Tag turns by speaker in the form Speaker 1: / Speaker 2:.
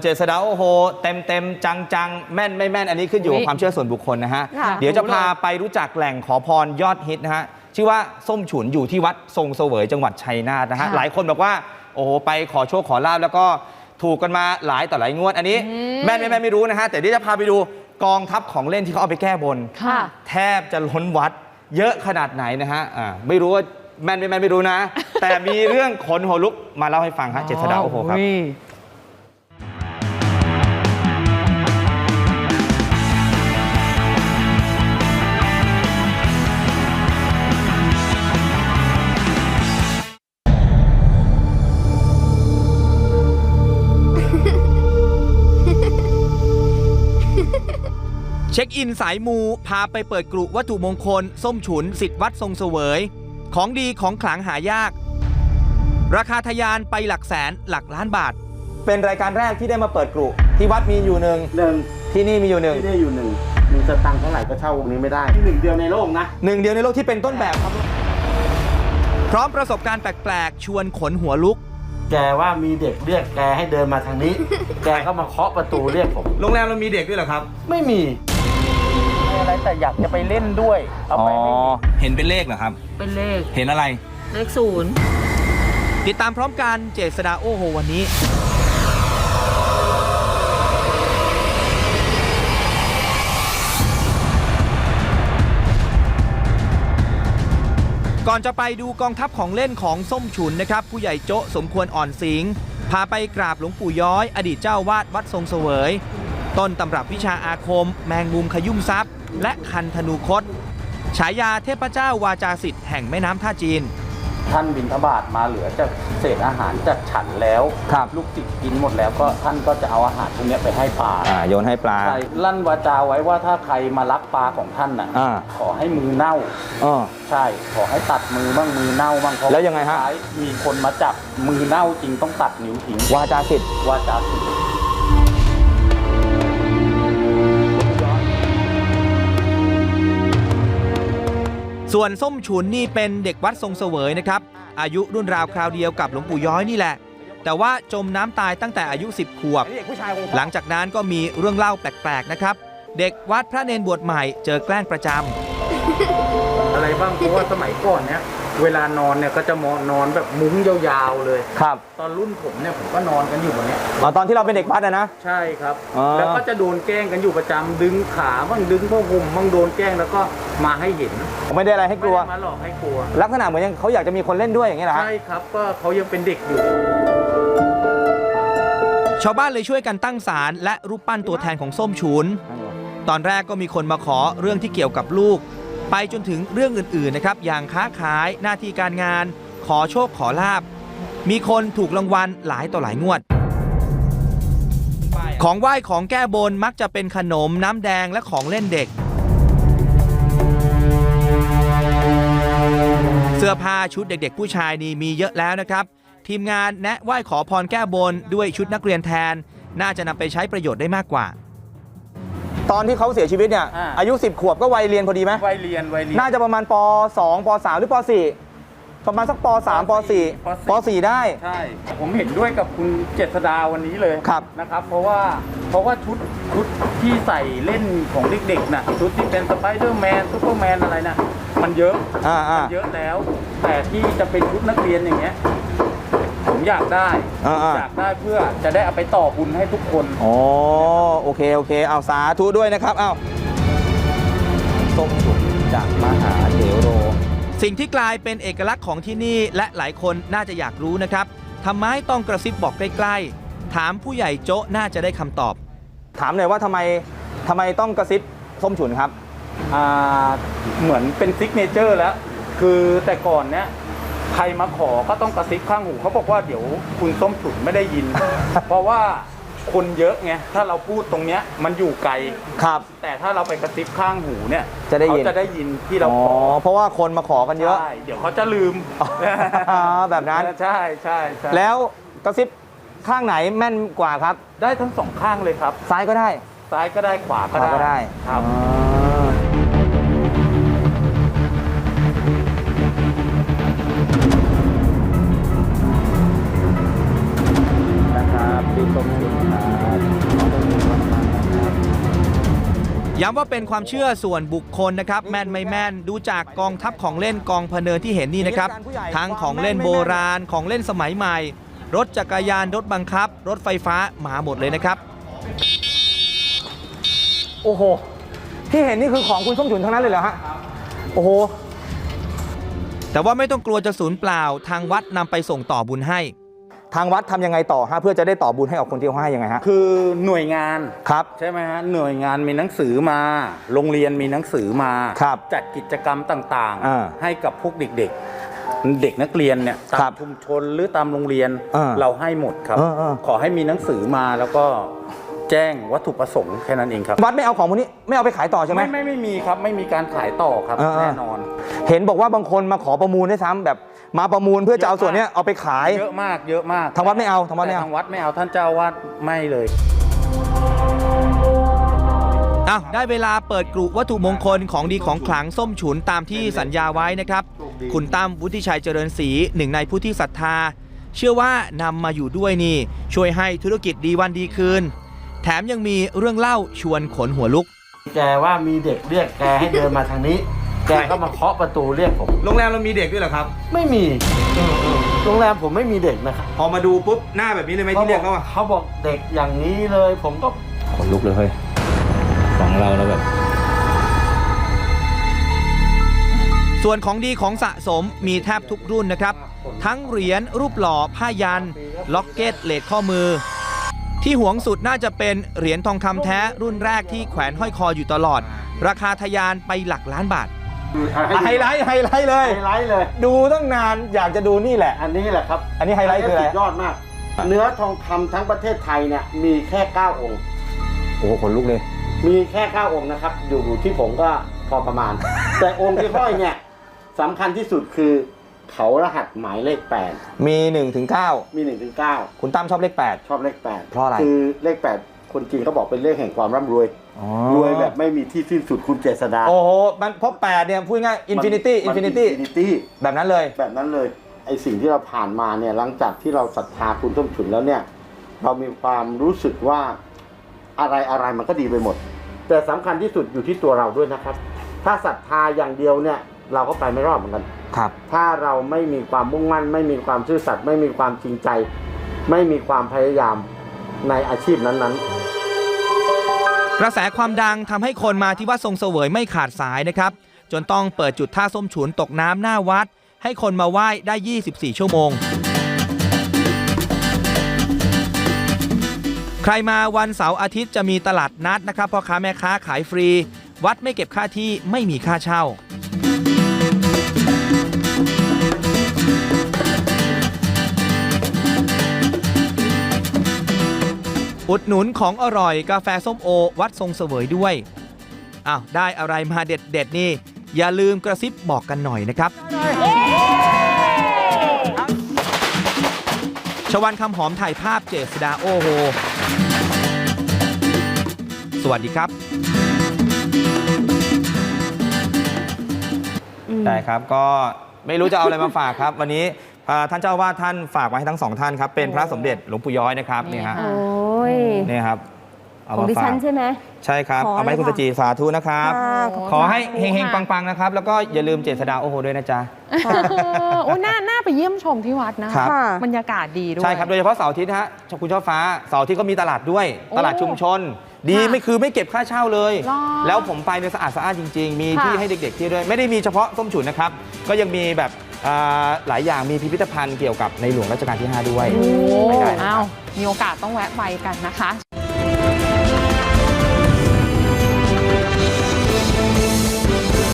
Speaker 1: เจษฎาโอ้โหเต็มจังแม่นไม่แม่นอันนี้ขึ้นอยู่กับความเชื่อส่วนบุคคลนะฮะเดี๋ยวจะพาไปรู้จักแหล่งขอพรยอดฮิตนะฮะชื่อว่าส้มฉุนอยู่ที่วัดทรงเสวยจังหวัดชัยนาทนะฮะหลายคนบอกว่าโอ้โหไปขอโชคขอลาภแล้วก็ถูกกันมาหลายต่อหลายงวดอันนี้แม่นไม่รู้นะฮะแต่เดี๋ยวจะพาไปดูกองทัพของเล่นที่เขาเอาไปแก้บนแทบจะล้นวัดเยอะขนาดไหนนะฮะไม่รู้ว่าแม่นไม่รู้นะแต่มีเรื่องขนหัวลุกมาเล่าให้ฟังฮะเจษฎาโอ้โหครับเช็คอินสายมูพาไปเปิดกรุวัตถุมงคลส้มฉุนสิทธิ์วัดทรงเสวยของดีของขลังหายากราคาทะยานไปหลักแสนหลักล้านบาทเป็นรายการแรกที่ได้มาเปิดกรุที่วัดมีอยู่หนึ่งที่นี่มีอยู่หนึ่ง
Speaker 2: มีสตังค์เท่าไหร่ก็เช่าวงนี้ไม่ได้ที่หนึ่งเดียวในโลกนะ
Speaker 1: หนึ่งเดียวในโลกที่เป็นต้นแบบครับพร้อมประสบการณ์แปลกๆชวนขนหัวลุก
Speaker 2: แกว่ามีเด็กเรียกแกให้เดินมาทางนี้ แกก็มาเคาะประตูเรียกผม
Speaker 1: โรงแรมเรามีเด็กด้วยเหรอครับ
Speaker 2: ไม่มีอะไรแต่อยากจะไปเล่นด้วยเอาไปไม่
Speaker 1: เห็นเป็นเลขเหรอครับ
Speaker 3: เป็นเลข
Speaker 1: เห็นอะไร
Speaker 3: เลข0
Speaker 1: ติดตามพร้อมกันเจษฎาโอ้โหวันนี้ก่อนจะไปดูกองทัพของเล่นของส้มฉุนนะครับผู้ใหญ่โจ๊ะสมควรอ่อนสิงห์พาไปกราบหลวงปู่ย้อยอดีตเจ้าวาดวัดทรงเสวยต้นตำรับวิชาอาคมแมงมุมขยุ่มทรัพย์และคันธนูคตฉายาเทพเจ้าวาจาสิทธิ์แห่งแม่น้ำท่าจีน
Speaker 2: ท่านบิณฑบาตมาเหลือจากเศษอาหารจากฉันแล้วลูกศิษย์กินหมดแล้วก็ท่านก็จะเอาอาหารพวกนี้ไปให้ปลา
Speaker 1: โยนให้ปลา
Speaker 2: ใช่ลั่นวาจาไว้ว่าถ้าใครมาลักปลาของท่านน่ะขอให้มือเน่าใช่ขอให้ตัดมือบ้างมือเน่าบ้าง
Speaker 1: แล้วยังไงฮะ
Speaker 2: มีคนมาจับมือเน่าจริงต้องตัดนิ้วทิ้ง
Speaker 1: วาจาสิทธิ์ส่วนส้มฉุนนี่เป็นเด็กวัดทรงเสวยนะครับอายุรุ่นราวคราวเดียวกับหลวงปู่ย้อยนี่แหละแต่ว่าจมน้ำตายตั้งแต่อายุ10 ขวบหลังจากนั้นก็มีเรื่องเล่าแปลกๆนะครับเด็กวัดพระเนรบวชใหม่เจอแกล้งประจ
Speaker 2: ำอะไรบ้างเพราะว่าสมัยก่อนเนี่ยเวลานอนเนี่ยก็จะนอนแบบมุ้งยาวๆเลย
Speaker 1: ครับ
Speaker 2: ตอนรุ่นผมเนี่ยผมก็นอนกันอยู่แบบนี้
Speaker 1: ตอนที่เราเป็นเด็กวัดนะ
Speaker 2: ใช่ครับแล้วก็จะโดนแกล้งกันอยู่ประจำดึงขาบ้างดึงผ้าห่มบ้างโดนแกล้งแล้วก็มาให้เห็น
Speaker 1: ไม่ได้อะไรให้กลัว
Speaker 2: มาหลอกให้กลัว
Speaker 1: ลักษณะเหมือนยังเขาอยากจะมีคนเล่นด้วยอย่างนี้เหรอ
Speaker 2: ใช่ครับก็เขายังเป็นเด็กอยู่
Speaker 1: ชาวบ้านเลยช่วยกันตั้งศาลและรูปปั้นตัวแทนของส้มฉุนตอนแรกก็มีคนมาขอเรื่องที่เกี่ยวกับลูกไปจนถึงเรื่องอื่นๆนะครับอย่างค้าขายหน้าที่การงานขอโชคขอลาภมีคนถูกรางวัลหลายต่อหลายงวดของไหว้ของแก้บนมักจะเป็นขนมน้ำแดงและของเล่นเด็กเสื้อผ้าชุดเด็กๆผู้ชายนี่มีเยอะแล้วนะครับทีมงานแนะไหว้ขอพรแก้บนด้วยชุดนักเรียนแทนน่าจะนำไปใช้ประโยชน์ได้มากกว่าตอนที่เขาเสียชีวิตเนี่ยอายุ10 ขวบก็วัยเรียนพอดีไหม
Speaker 2: วัยเรียน
Speaker 1: น่าจะประมาณป.2 ป.3 หรือป.4 ประมาณสักป.3 ป.4 ป.4 ได้
Speaker 2: ใช่ผมเห็นด้วยกับคุณเจษฎาวันนี้เลยนะครับเพราะว่าชุดที่ใส่เล่นของเด็กๆน่ะชุดที่เป็นสไปเดอร์แมนซูเปอร์แมนอะไรน่ะมันเยอะแล้วแต่ที่จะเป็นชุดนักเรียนอย่างเงี้ยผมอยากได้เพื่อจะได้เอาไปต่อบุญให้ทุกคน
Speaker 1: อ๋อโอเคเอาสาธุด้วยนะครับเอาส้มฉุนจากมหาเถโรสิ่งที่กลายเป็นเอกลักษณ์ของที่นี่และหลายคนน่าจะอยากรู้นะครับทำไมต้องกระซิบบอกใกล้ๆถามผู้ใหญ่โจ๊ะน่าจะได้คำตอบถามหน่อยว่าทำไมต้องกระซิบส้มฉุนครับ
Speaker 2: เหมือนเป็นซิกเนเจอร์แล้วคือแต่ก่อนเนี้ยใครมาขอก็ต้องกระซิบข้างหูเขาบอกว่าเดี๋ยวคุณส้มฉุนไม่ได้ยิน เพราะว่าคนเยอะไงถ้าเราพูดตรงเนี้ยมันอยู่ไกล
Speaker 1: ครับ
Speaker 2: แต่ถ้าเราไปกระซิบข้างหูเนี่ย
Speaker 1: เขา
Speaker 2: จะได้ยินที่เราขอ
Speaker 1: เพราะว่าคนมาขอกันเยอะ
Speaker 2: ใช่เดี๋ยวเขาจะลืม
Speaker 1: แบบนั้น
Speaker 2: ใช่
Speaker 1: แล้วกระซิบข้างไหนแม่นกว่าครับ
Speaker 2: ได้ทั้ง2ข้างเลยครับ
Speaker 1: ซ้ายก็ได้
Speaker 2: ขวาก็ได้ครับ
Speaker 1: พี่ส้มฉุนครับย้ำว่าเป็นความเชื่อส่วนบุคคลนะครับแม่นไม่แม่นดูจากกองทัพของเล่นกองพะเนินที่เห็นนี่นะครับทั้งของเล่นโบราณของเล่นสมัยใหม่ รถจักรยานรถบังคับ รถไฟฟ้ามาหมดเลยนะครับโอ้โหที่เห็นนี่คือของคุณส้มฉุนทั้งนั้นเลยเหรอฮะโอ้โหแต่ว่าไม่ต้องกลัวจะสูญเปล่าทางวัดนำไปส่งต่อบุญให้ทางวัดทำยังไงต่อฮะเพื่อจะได้ต่อบุญให้กับคนที่เขาให้ยังไงฮะ
Speaker 2: คือหน่วยงาน
Speaker 1: ครับ
Speaker 2: ใช่ไหมฮะหน่วยงานมีหนังสือมาโรงเรียนมีหนังสือมา
Speaker 1: ครับ
Speaker 2: จัดกิจกรรมต่าง
Speaker 1: อ่า
Speaker 2: ๆ ให้กับพวกเด็กๆ เด็กนักเรียนเนี่ยตา
Speaker 1: ครั
Speaker 2: ม
Speaker 1: บ
Speaker 2: ชุมชนหรือตามโรงเรียน
Speaker 1: อ่า
Speaker 2: เราให้หมดครับ ขอให้มีหนังสือมาแล้วก็แจ้งวัตถุประสงค์แค่นั้นเองครับ
Speaker 1: วัดไม่เอาของพวกนี้ไม่เอาไปขายต่อใช่ไหม
Speaker 2: ไม่มีครับไม่มีการขายต่อครับแน่นอน
Speaker 1: เห็นบอกว่าบางคนมาขอประมูลด้วยซ้ำแบบมาประมูลเพื่อจะเอาส่วนนี้เอาไปขาย
Speaker 2: เยอะมากเยอะมาก
Speaker 1: ทางวัดไม่เอาทางวัดไม่
Speaker 2: แต่
Speaker 1: เอา
Speaker 2: ทางวัดไม่เอาท่านเจ้าอาวาดไม่เลย
Speaker 1: ได้เวลาเปิดกรุวัตถุมงคลของดีของขลังส้มฉุนตามที่สัญญาไว้นะครับคุณตั้มวุฒิชัยเจริญศรีหนึ่งในผู้ที่ศรัทธาเชื่อว่านำมาอยู่ด้วยนี่ช่วยให้ธุรกิจดีวันดีคืนแถมยังมีเรื่องเล่าชวนขนหัวลุก
Speaker 4: แกว่ามีเด็กเรียกแกให้เดินมาทางนี้ แกก็มาเคาะประตูเรียกผม
Speaker 1: โรงแรมเรามีเด็กด้วยเหรอครับ
Speaker 4: ไม่มีโรงแรมผมไม่มีเด็กนะครับ
Speaker 1: พอมาดูปุ๊บหน้าแบบนี้เลยไหมที่เรียกเขาอะ
Speaker 4: เขาบอกเด็กอย่างนี้เลย ผมก็
Speaker 1: ขนลุกเลยเฮ้ยของเราแล้วแบบส่วนของดีของสะสมมีแทบทุกรุ่นนะครับทั้งเหรียญรูปหล่อผ้ายันล็อกเก็ตเลสข้อมือที่หวงสุดน่าจะเป็นเหรียญทองคำแท้รุ่นแรกที่แขวนห้อยคออยู่ตลอดราคาทะยานไปหลักล้านบาทไฮไลท์เลย
Speaker 4: ไฮไลท์เลย
Speaker 1: ดูตั้งนานอยากจะดูนี่แหละ
Speaker 4: อันนี้แหละครับ
Speaker 1: อันนี้ไฮไลท์คืออะไร
Speaker 4: สุดยอดมาก เนื้อทองคำทั้งประเทศไทยเนี่ยมีแค่9องค์
Speaker 1: โอ้โหขนลุกเลย
Speaker 4: มีแค่9องค์นะครับอยู่ที่ผมก็พอประมาณ แต่องค์ที่ห้อยเนี่ยสำคัญที่สุดคือเขารหัสหมายเลข8
Speaker 1: มี1 ถึง 9
Speaker 4: มี1 ถึง 9
Speaker 1: คุณตั้มชอบเลข8
Speaker 4: ชอบเลข8
Speaker 1: เพราะอะไร
Speaker 4: คือเลข8คนจีนเขาบอกเป็นเลขแห่งความร่ำรวยรวยแบบไม่มีที่สิ้นสุดคุณเจษฎา
Speaker 1: โอ้โหมันเพราะ8เนี่ยพูดง่ายอินฟินิตี้แบบนั้นเลย
Speaker 4: แบบนั้นเลยไอสิ่งที่เราผ่านมาเนี่ยหลังจากที่เราศรัทธาคุณส้มฉุนแล้วเนี่ยเรามีความรู้สึกว่าอะไรมันก็ดีไปหมดแต่สำคัญที่สุดอยู่ที่ตัวเราด้วยนะครับถ้าศรัทธาอย่างเดียวเนี่ยเราก็ไปไม่รอดเหมือนกัน
Speaker 1: ครับ
Speaker 4: ถ้าเราไม่มีความมุ่งมั่นไม่มีความซื่อสัตย์ไม่มีความจริงใจไม่มีความพยายามในอาชีพนั้นๆ
Speaker 1: กระแสความดังทำให้คนมาที่วัดทรงเสวยไม่ขาดสายนะครับจนต้องเปิดจุดท่าส้มฉุนตกน้ำหน้าวัดให้คนมาไหว้ได้24ชั่วโมงใครมาวันเสาร์อาทิตย์จะมีตลาดนัดนะครับพ่อค้าแม่ค้าขายฟรีวัดไม่เก็บค่าที่ไม่มีค่าเช่าอุดหนุนของอร่อยกาแฟส้มโอวัดทรงเสวยด้วยได้อะไรมาเด็ดนี่อย่าลืมกระซิบบอกกันหน่อยนะครับชวันคำหอมถ่ายภาพเจษฎาโอโหสวัสดีครับได้ครับก็ไม่รู้จะเอาอะไรมาฝากครับวันนี้ท่านเจ้าอาวาสท่านฝากมาให้ทั้งสองท่านครับเป็นพระสมเด็จหลวงปู่ย้อยนะครับนี่ฮะนี่ครับ
Speaker 5: ของดิฉันใช่ไหม
Speaker 1: ใช่ครับเอาไม้คุณสจีสาธุนะครับขอให้เฮงๆปังๆนะครับแล้วก็อย่าลืมเจษฎาโอโหด้วยนะจ๊ะ
Speaker 6: โอ้น่าไปเยี่ยมชมที่วัดนะบรรยากาศดีด้วย
Speaker 1: ใช่ครับโดยเฉพาะเสาร์อาทิตย์ฮะคุณช่อฟ้าเสาร์อาทิตย์ก็มีตลาดด้วยตลาดชุมชนดีไม่เก็บค่าเช่าเลยแล้วผมไปเนี่ยสะอาดสะอ้านจริงๆมีที่ให้เด็กๆที่ด้วยไม่ได้มีเฉพาะส้มฉุนนะครับก็ยังมีแบบหลายอย่างมีพิพิธภัณฑ์เกี่ยวกับในหลวงรัชกาลที่5ด้วย
Speaker 6: มีโอกาสต้องแวะไปกันนะคะ